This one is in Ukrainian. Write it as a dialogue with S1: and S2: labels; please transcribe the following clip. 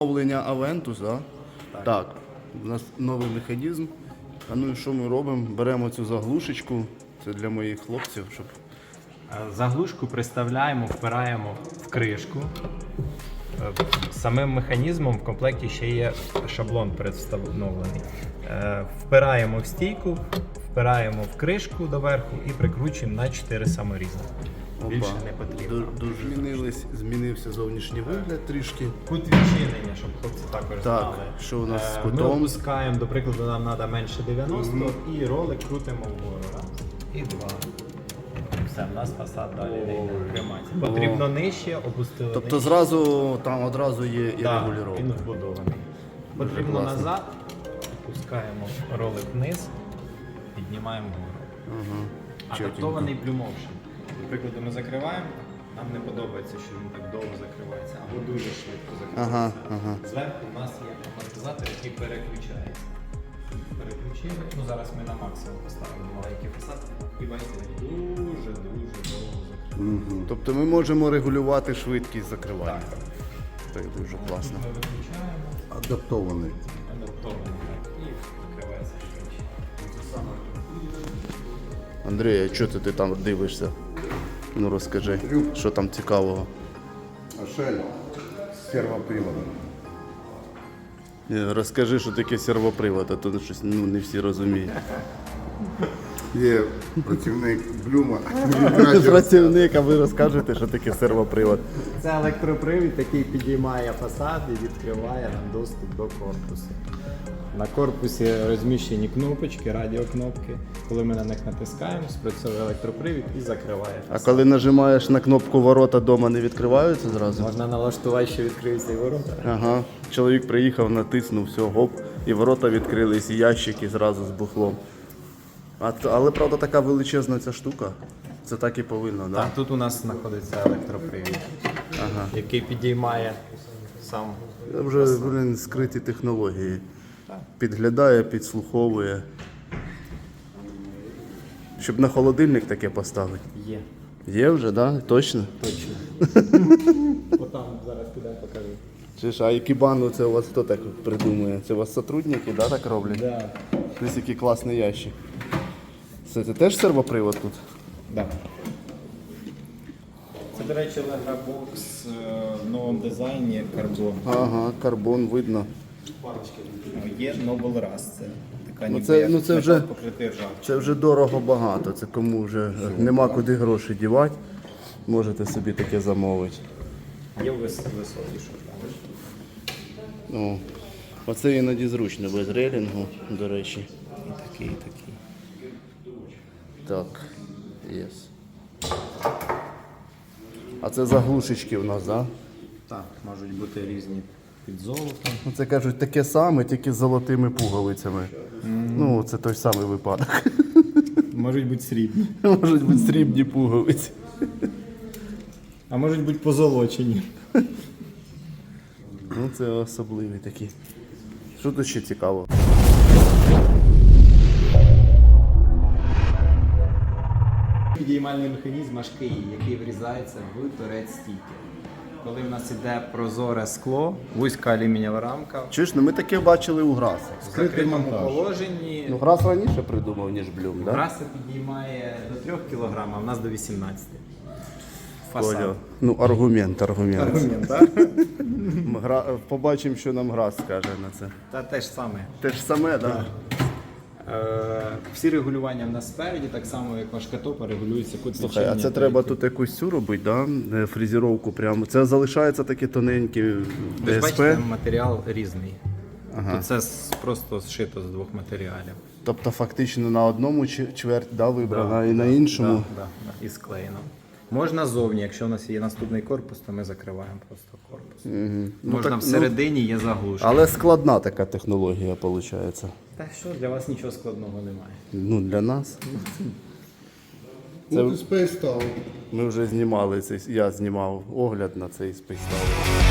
S1: Оновлення Aventus, да? Так. У нас новий механізм. А ну і що ми робимо? Беремо цю заглушечку. Це для моїх хлопців, щоб...
S2: Заглушку приставляємо, впираємо в кришку. Самим механізмом в комплекті ще є шаблон предвстановлений. Впираємо в стійку, впираємо в кришку доверху і прикручуємо на 4 саморізи. Більше не потрібно.
S1: Дуже змінився зовнішній вигляд трішки.
S2: Кут відчинення, щоб хлопці також знали.
S1: Так, що у нас з
S2: Ми
S1: кутом?
S2: опускаємо, до прикладу, нам треба менше 90 і ролик крутимо вгору. Раз. І два. Все, в нас фасад далі не йде тримається. Потрібно нижче, опустили
S1: Тобто
S2: нижче.
S1: зразу там одразу є і
S2: Да,
S1: регулювання.
S2: він вбудований. Потрібно
S1: класно.
S2: назад, опускаємо ролик вниз, піднімаємо вгору. Адаптований блюмовшн. Наприклад, ми закриваємо, нам не подобається, що він так довго закривається, або дуже швидко закривається. Зверху у нас є амортизатор, який переключається. Переключили, ну зараз ми на максимум поставимо маленький фасад і бачите, дуже-дуже довго закривається.
S1: Тобто ми можемо регулювати швидкість закривання.
S2: Так.
S1: Так, дуже класно.
S2: Ми виключаємо,
S3: Адаптований.
S2: адаптований так, і закривається швидше.
S1: Андрій, а чого ти там дивишся? Ну розкажи, що там цікавого.
S3: Ашель з сервоприводом.
S1: Розкажи, що таке сервопривод, а то щось не всі розуміють.
S3: Є працівник Блюма.
S1: Працівник, а ви розкажете, що таке сервопривод.
S4: Це електропривід, який підіймає фасад і відкриває нам доступ до корпусу. На корпусі розміщені кнопочки, радіокнопки. Коли ми на них натискаємо, спрацьовує електропривід і закриває
S1: А
S4: фасад.
S1: коли нажимаєш на кнопку ворота дома, не відкриваються зразу?
S4: Можна налаштувати, що відкриються і ворота.
S1: Ага. Чоловік приїхав, натиснув, все, гоп, і ворота відкрились, і ящики зразу з бухлом. Але правда така величезна ця штука. Це так і повинно, так?
S4: Так, тут у нас знаходиться електропривід, який підіймає сам.
S1: Це вже, скриті технології. Підглядає, підслуховує. Щоб на холодильник таке поставити.
S4: Є.
S1: Є вже, так? Да? Точно?
S4: Точно. Отам зараз підемо покажу.
S1: Чи ж, а ікібану це у вас хто так придумує? Це у вас сотрудники, да, так роблять?
S4: Да.
S1: Ось який класний ящик. Це теж сервопривод тут?
S4: Да. Це, до речі, Legrabokс в новому дизайні карбон.
S1: Ага, карбон видно.
S4: Є Noble Rust. Це така ніби
S1: це-
S4: як
S1: ну, це
S4: метал
S1: вже-
S4: покритий ржавчиною.
S1: Це вже дорого багато, це кому вже нема куди гроші дівати. Можете собі таке замовити.
S4: Є високий шов.
S1: Ну, оце іноді зручно, без рейлінгу, до речі.
S4: І такий, і такий.
S1: Так, єс. А це заглушечки у нас, так? Да?
S4: Так, можуть бути різні під золотом.
S1: Ну, це кажуть таке саме, тільки з золотими пуговицями. Ну, це той самий випадок.
S4: Можуть бути срібні.
S1: Можуть бути срібні пуговиці.
S4: А можуть бути позолочені.
S1: Ну, це особливі такі. Що тут ще цікаво?
S4: Підіймальний механізм важкий, який врізається в торець стійки. Коли в нас іде прозоре скло, вузька алюмінієва рамка,
S1: Чуєш, ну ми таке бачили у Граса.
S4: в закритому положенні.
S1: Ну, Грас раніше придумав, ніж Блюм, так? Да?
S4: Граса підіймає до 3 кг, а в нас до 18. Фасад.
S1: Поняв. Ну, аргумент.
S4: Аргумент, так?
S1: Побачимо, що нам Грас скаже на це.
S4: Та те ж саме.
S1: Те ж саме, так? Да?
S4: Всі регулювання в нас спереді, так само як важка топа, регулюється кут
S1: Слухай, а
S4: відчинення.
S1: це треба тут якусь цю робити, да? Фрезеровку прямо. Це залишається таке тоненьке
S4: Ви ж
S1: ДСП.
S4: бачите, матеріал різний. Тут це просто зшито з двох матеріалів.
S1: Тобто фактично на одному чверть да, вибрана і на іншому.
S4: Да, і склеєно. Можна ззовні, якщо у нас є наступний корпус, то ми закриваємо просто корпус. Можна
S1: так,
S4: всередині є заглушка.
S1: Але складна така технологія, виходить.
S4: Та що, для вас нічого складного немає.
S1: Ну, для нас.
S3: Ну, ти Space Town.
S1: Ми вже знімали цей, я знімав огляд на цей Space Tower.